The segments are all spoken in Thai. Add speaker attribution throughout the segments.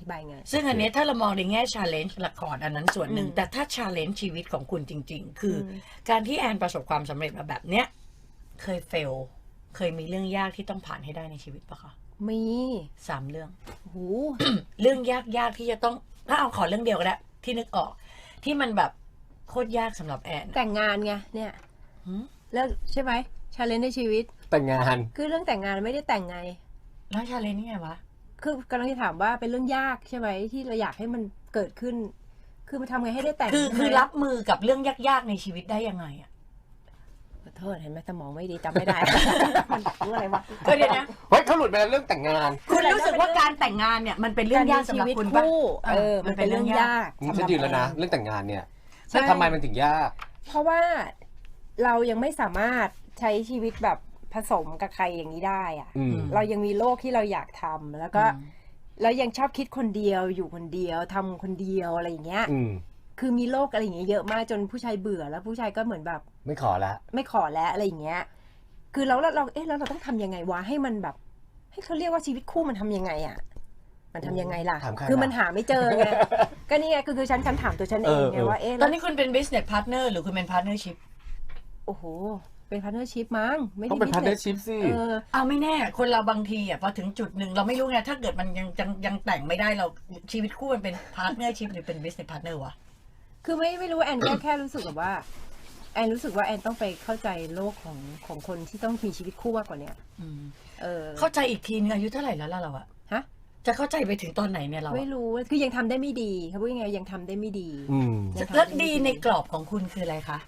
Speaker 1: ธิบายไง
Speaker 2: ซึ่งอันนี้ถ้าเรามองในแง่ challenge ละครอันนั้นส่วนหนึ่งแต่ถ้า challenge ชีวิตของคุณจริงๆ คือการที่แอนประสบความสำเร็จมาแบบเนี้ยเคย fail เคยมีเรื่องยากที่ต้องผ่านให้ได้ในชีวิตปะคะ
Speaker 1: มี
Speaker 2: 3 เรื่อง
Speaker 1: โห
Speaker 2: เรื่องยากๆที่จะต้องถ้าเอาขอเรื่องเดียวก็ได้ที่นึกออกที่มันแบบโคตรยากสำหรับแอน
Speaker 1: แต่งงานไงเนี่ยแล้วใช่ไหมชาเลนจ์ในชีวิต
Speaker 3: แต่งงาน
Speaker 1: คือเรื่องแต่งงานไม่ได้แต่งไง
Speaker 2: แล้ว challenge นี่ไงวะ
Speaker 1: คือกำลังจะถามว่าเป็นเรื่องยากใช่ไหมที่เราอยากให้มันเกิดขึ้นคือมันทำไงให้ได้แต่ง
Speaker 2: คือรับมือกับเรื่องยากๆในชีวิตได้ยังไงอ่ะ
Speaker 1: ขอโทษเห็นไหมสมองไม่ดีจำไม่ได้ มันรู้อะไรวะ
Speaker 2: ก็เดี๋ยวนะ
Speaker 3: เฮ้ยเขาหลุดไปแล้วเรื่องแต่งงาน
Speaker 2: คุณรู้สึกว่าการแต่งงานเนี่ยมันเป็นเรื่องยากสำหรับคุณปะ
Speaker 1: มันเป็นเรื่องยาก
Speaker 3: ฉันยืนแล้วนะเรื่องแต่งงานเนี่ยทำไมมันถึงยาก
Speaker 1: เพราะว่าเรายังไม่สามารถใช้ชีวิตแบบผสมกับใครอย่างนี้ได้อะเรายังมีโลกที่เราอยากทำแล้วก็แล้วยังชอบคิดคนเดียวอยู่คนเดียวทำคนเดียวอะไรอย่างเงี้ยคือมีโลกอะไรอย่างเงี้ยเยอะมากจนผู้ชายเบื่อแล้วผู้ชายก็เหมือนแบบ
Speaker 3: ไม่ขอแล้ว
Speaker 1: อะไรอย่างเงี้ยคือเราแล้วเราต้องทำยังไงวะให้มันแบบให้เขาเรียกว่าชีวิตคู่มันทำยังไงอ่ะมันทำยังไงล่ะคือมันหาไม่เจอไงก็นี่ไงคือฉันถามตัวฉันเองไงว่า
Speaker 2: ตอนนี้คุณเป็น business partner หรือคุณเป็น partnership
Speaker 1: โอ้โหเป็น partnership มั้งไม่
Speaker 3: ได้เป็น partnership สิ
Speaker 2: เอาไม่แน่คนเราบางทีอ่ะพอถึงจุดหนึ่งเราไม่รู้ไงถ้าเกิดมันยังแต่งไม่ได้เราชีวิตคู่มันเป็น partnership หรือเป็น business partner วะ
Speaker 1: คือไม่รู้แอนแค่รู้สึกแบบว่าแอนรู้สึกว่าแอนต้องไปเข้าใจโลกของคนที่ต้องมีชีวิตคู่มากกว่านี้
Speaker 2: เข้าใจอีกทีนึงอายุเท่าไหร่แล้วล่ะเราอะ
Speaker 1: ฮะ
Speaker 2: จะเข้าใจไปถึงตอนไหนเนี่ยเรา
Speaker 1: ไม่รู้คือยังทำได้ไม่ดีเขาพูดยังไงยังทำได้ไม่ดี
Speaker 2: แล้วดีในกรอบของคุณคืออะไรคะ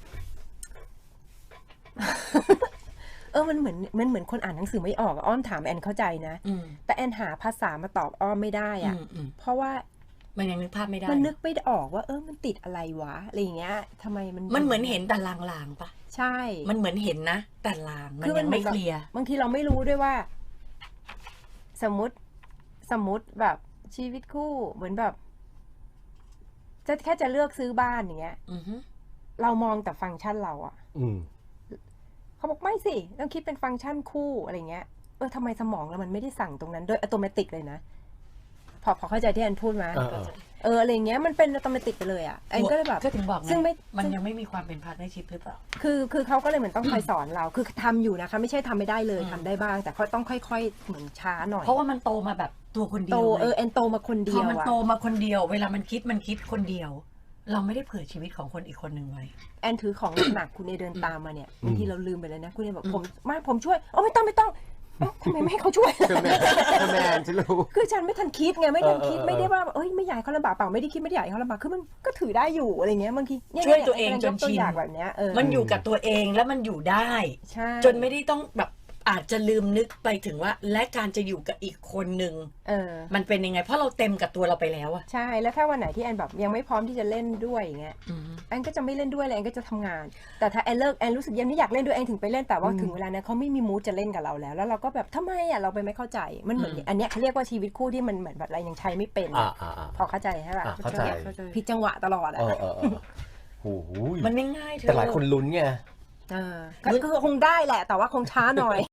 Speaker 1: มันเหมือนคนอ่านหนังสือไม่ออกอ้อมถามแอนเข้าใจนะแต่แอนหาภาษามาตอบอ้อมไม่ได้อ่ะเพราะว่า
Speaker 2: มันยังนึกภาพไม่ได้
Speaker 1: มันนึกไม่ออกว่ามันติดอะไรวะอะไรอย่างเงี้ยทำไม
Speaker 2: มันเหมือนเห็นแต่ลางๆปะ
Speaker 1: ใช่
Speaker 2: มันเหมือนเห็นนะแต่ลางมันยังไม่เคลียร์
Speaker 1: บางทีเราไม่รู้ด้วยว่าสมมติแบบชีวิตคู่เหมือนแบบแค่จะเลือกซื้อบ้านอย่างเงี้ยเรามองแต่ฟังก์ชันเราอ่ะเขาบอกไม่สิต้องคิดเป็นฟังก์ชันคู่อะไรเงี้ยทำไมสมองเรามันไม่ได้สั่งตรงนั้นโดยอัตโนมัติเลยนะพอเข้าใจที่แอนพูดไหมอะไรเงี้ยมันเป็นอัตโนมัติไปเลยอ่ะแอนก็เลยแบบ
Speaker 2: ก็ถึงบอก
Speaker 1: ซึ่ง
Speaker 2: มันยังไม่มีความเป็นพาร์ทเนอร์ชิพหรือเปล่า
Speaker 1: คือเขาก็เลยเหมือนต้องคอยสอนเราคือทำอยู่นะคะไม่ใช่ทำไม่ได้เลยทำได้บ้างแต่เขาต้องค่อยๆเหมือนช้าหน่อย
Speaker 2: เพราะว่ามันโตมาแบบตัวคนเดียว
Speaker 1: แอนโตมาคนเดียว
Speaker 2: พอมันโตมาคนเดียวเวลามันคิดคนเดียวเราไม่ได้เผื่อชีวิตของคนอีกคนหนึ่งไว้
Speaker 1: แอนถือของหนักคุณเอเดินตามมาเนี่ยบางทีเราลืมไปเลยนะคุณเอบอกผมช่วยไม่ต้องทำไมไม่ให้เขาช่วย
Speaker 3: แม่ฉันรู้
Speaker 1: คือฉันไม่ทันคิดไงไม่ทันคิดไม่ได้ว่าไม่อยากเขาลำบากเปล่าไม่ได้คิดไม่ได้อยากให้เขาลำบากคือมันก็ถือได้อยู่อะไรเงี้ยบางที
Speaker 2: ช่วยตัวเองจนชิน
Speaker 1: แบบเนี้ย
Speaker 2: มันอยู่กับตัวเองแล้วมันอยู่ได้จนไม่ได้ต้องแบบอาจจะลืมนึกไปถึงว่าและการจะอยู่กับอีกคนนึงมันเป็นยังไงเพราะเราเต็มกับตัวเราไปแล้วอะ
Speaker 1: ใช่แล้วถ้าวันไหนที่แอนแบบยังไม่พร้อมที่จะเล่นด้วยอย่างเงี้ยแอนก็จะไม่เล่นด้วยเลยแอนก็จะทำงานแต่ถ้าแอนเลิกแอนรู้สึกยังไม่อยากเล่นด้วยแอนถึงไปเล่นแต่ว่าถึงเวลานั้นเขาไม่มีมูดจะเล่นกับเราแล้วเราก็แบบทำไมอะเราไปไม่เข้าใจมันเหมือนอันเนี้ยเขาเรียกว่าชีวิตคู่ที่มันเหมือนแบบอะไรยังใช้ไม่เป็นพอเข้าใจใช่ป่ะ
Speaker 3: เข้าใจ
Speaker 1: ผิดจังหวะตลอดอะ
Speaker 3: โอ้โห
Speaker 2: มันไม่ง่าย
Speaker 3: แต่หลายคนลุ้นไง
Speaker 1: ก็คงได้แหละแต่ว่าคงช้าหน่อย